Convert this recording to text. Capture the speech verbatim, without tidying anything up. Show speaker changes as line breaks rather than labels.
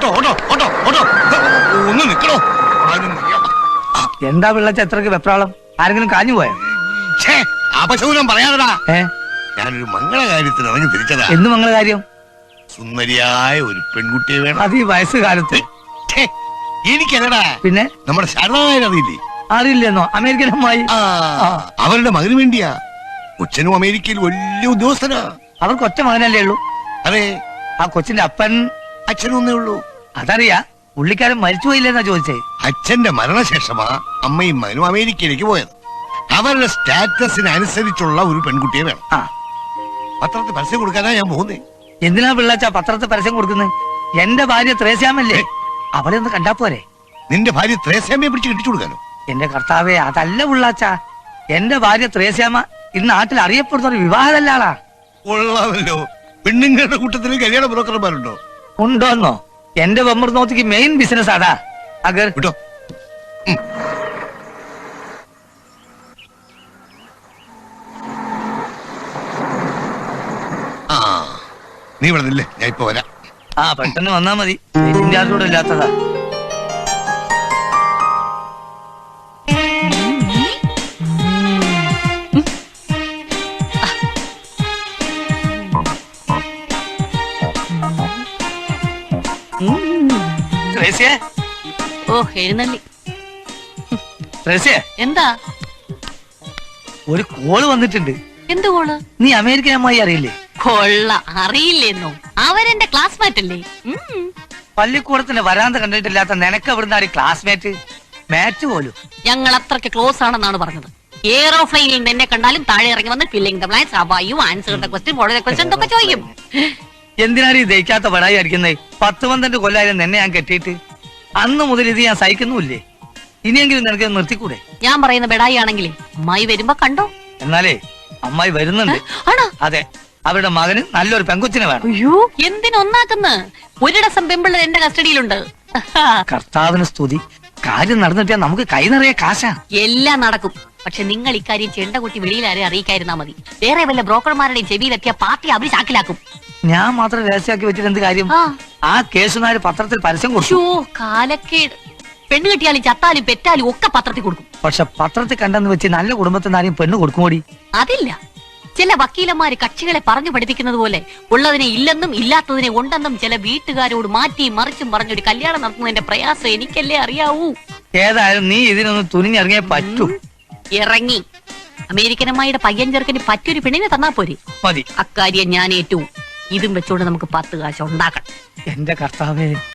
Auto auto auto ഒന്ന് നിക്കണോ?
എന്താ പിള്ളച്ച എത്രക്ക് വെപ്രാളം? ആരെങ്കിലും കാഞ്ഞു പോയോ?
അപശകുനം പറയാനടാ.
ഏ
ഞാനൊരു മംഗളകാര്യത്തിന് ഇറങ്ങി തിരിച്ചതാ.
എന്ത് മംഗളകാര്യം?
സുന്ദരിയായ ഒരു പെൺകുട്ടിയെ വേണം.
അത് ഈ വയസ്സുകാലത്ത്.
എനിക്കല്ലടാ,
പിന്നെ
നമ്മുടെ ശരണായ അറിയില്ലേ?
അറിയില്ലെന്നോ? അമേരിക്കൻ അമ്മായി.
അവരുടെ മകന് വേണ്ടിയാ. കൊച്ചനും അമേരിക്കയിൽ വലിയ ഉദ്യോഗസ്ഥനാ.
അവർക്ക് ഒറ്റ മകനല്ലേ ഉള്ളൂ?
അതെ.
ആ കൊച്ചിന്റെ അപ്പൻ
അച്ഛനും ഒന്നേ ഉള്ളൂ.
അതറിയാ. പുള്ളിക്കാരൻ മരിച്ചുപോയില്ലെന്നാ ചോദിച്ചേ.
അച്ഛന്റെ മരണശേഷമാ അമ്മയും മകനും അമേരിക്കയിലേക്ക് പോയത്. അവരുടെ സ്റ്റാറ്റസിന് അനുസരിച്ചുള്ള ഒരു പെൺകുട്ടിയെ വേണം.
ആ
പത്രത്തിൽ പരസ്യം കൊടുക്കാനാ ഞാൻ പോകുന്നേ.
എന്തിനാ പിള്ളച്ച പത്രത്തിൽ പരസ്യം കൊടുക്കുന്നത്? എന്റെ ഭാര്യ ത്രേസ്യാമല്ലേ, അവളെ ഒന്ന് കണ്ടാ പോരെ?
നിന്റെ ഭാര്യ ത്രേസ്യാമ്മയെ പിടിച്ച് കെട്ടിച്ചു കൊടുക്കാനോ?
എന്റെ കർത്താവേ, അതല്ല പിള്ളാച്ച. എന്റെ ഭാര്യ ത്രേസ്യാമ ഇന്ന് നാട്ടിൽ അറിയപ്പെടുന്ന ഒരു വിവാഹതല്ലാളാ.
കൊള്ളാമല്ലോ. പെണ്ണുങ്ങളുടെ കൂട്ടത്തിൽ കല്യാണ ബ്രോക്കർമാരുണ്ടോ?
ഉണ്ടോന്നോ? എന്റെ വെമ്മർനോത്തിക്ക് മെയിൻ ബിസിനസ് അതാ. അഗർ
വിട്ടോ. ആ നീ ഇവിടെ നില്ലേ, ഞാൻ ഇപ്പൊ വരാം.
ആ പെട്ടെന്ന് വന്നാ മതി. കൂടെ ഇല്ലാത്തതാ.
ഓ എഴുന്നള്ളി. എന്താ?
ഒരു കോള് വന്നിട്ടുണ്ട്.
എന്ത് കോള്?
നീ അമേരിക്കൻ അമ്മായി അറിയില്ലേ?
കൊള്ള, അറിയില്ലെന്നോ? അവരെന്റെ ക്ലാസ്മേറ്റ് അല്ലേ?
പള്ളിക്കൂടത്തിന്റെ വരാന്ത കണ്ടിട്ടില്ലാത്ത നിനക്ക് എവിടുന്നാണ് ക്ലാസ്മേറ്റ്? മാറ്റ് പോലും.
ഞങ്ങൾ അത്രയ്ക്ക് ക്ലോസ് ആണെന്നാണ് പറഞ്ഞത്. എയറോപ്ലെയിനിൽ നിന്നെ കണ്ടാലും താഴെ ഇറങ്ങി വന്ന് ഫില്ലിംഗ് ദ ബ്ലാങ്ക്സ്, അബായു answer the question, follow the question എന്നൊക്കെ ചോദിക്കും.
എന്തിനാണ് ഈ ദഹിക്കാത്ത പടായി അടിക്കുന്നത്? പത്ത് പന്ത്രണ്ട് കൊല്ലായാലും നിന്നെ ഞാൻ കെട്ടിയിട്ട്. അന്ന് മുതൽ ഇത് ഞാൻ സഹിക്കുന്നുമില്ലേ? ഇനിയെങ്കിലും നിനക്ക് നിർത്തിക്കൂടെ?
ഞാൻ പറയുന്ന ബെടായി ആണെങ്കിലേ അമ്മായി വരുമ്പോ കണ്ടോ.
എന്നാലേ അമ്മായി വരുന്നുണ്ട്. അതെ, അവരുടെ മകന് നല്ലൊരു പെങ്കൊച്ചിനെ വേണം.
അയ്യോ, എന്തിനൊന്നാക്കുന്ന? ഒരിടസം പെമ്പിള്ളർ എന്റെ കസ്റ്റഡിയിലുണ്ട്.
കർത്താവിന് സ്തുതി. കാര്യം നടന്നിട്ടാ നമുക്ക് കൈ നിറയെ കാശാ.
എല്ലാം നടക്കും. പക്ഷെ നിങ്ങൾ ഇക്കാര്യം ചെണ്ട കുട്ടി വെളിയിലാരെ അറിയിക്കായിരുന്നാ മതി. വേറെ വല്ല ബ്രോക്കർമാരുടെയും ചെവിയിലെത്തിയ പാർട്ടി അവര് ചാക്കിലാക്കും.
ഞാൻ മാത്രം രഹസ്യമാക്കി വെച്ചിട്ട് എന്ത് കാര്യം? ആ കേസുമാര് പത്രത്തിൽ പരസ്യം കൊടുത്തു.
കാലക്കേട്. പെണ്ണ് കിട്ടിയാലും ചത്താലും പെറ്റാലും ഒക്കെ പത്രത്തിൽ കൊടുക്കും.
പക്ഷെ പത്രത്തിൽ കണ്ടെന്ന് വെച്ച് നല്ല കുടുംബത്തിൽ ആരെയും പെണ്ണ് കൊടുക്കുമോടി?
അതില്ല. ചില വക്കീലന്മാര് കക്ഷികളെ പറഞ്ഞു പഠിപ്പിക്കുന്നത് പോലെ ഉള്ളതിനെ ഇല്ലെന്നും ഇല്ലാത്തതിനെ ഉണ്ടെന്നും ചില വീട്ടുകാരോട് മാറ്റിയും മറിച്ചും പറഞ്ഞൊരു കല്യാണം നടത്തുന്നതിന്റെ പ്രയാസം എനിക്കല്ലേ അറിയാവൂ.
ഏതായാലും നീ ഇതിനൊന്ന് തുനിഞ്ഞിറങ്ങിയേ പറ്റൂ.
ഇറങ്ങി. അമേരിക്കൻ അമ്മായിയുടെ പയ്യൻ ചെറുക്കന് പറ്റൊരു പെണ്ണിനെ തന്നാ പോരെ?
മതി.
അക്കാര്യം ഞാൻ ഏറ്റവും. ഇതും വെച്ചോണ്ട് നമുക്ക് പത്ത് കാശ് ഉണ്ടാക്കണം.
എന്റെ കർത്താവേ.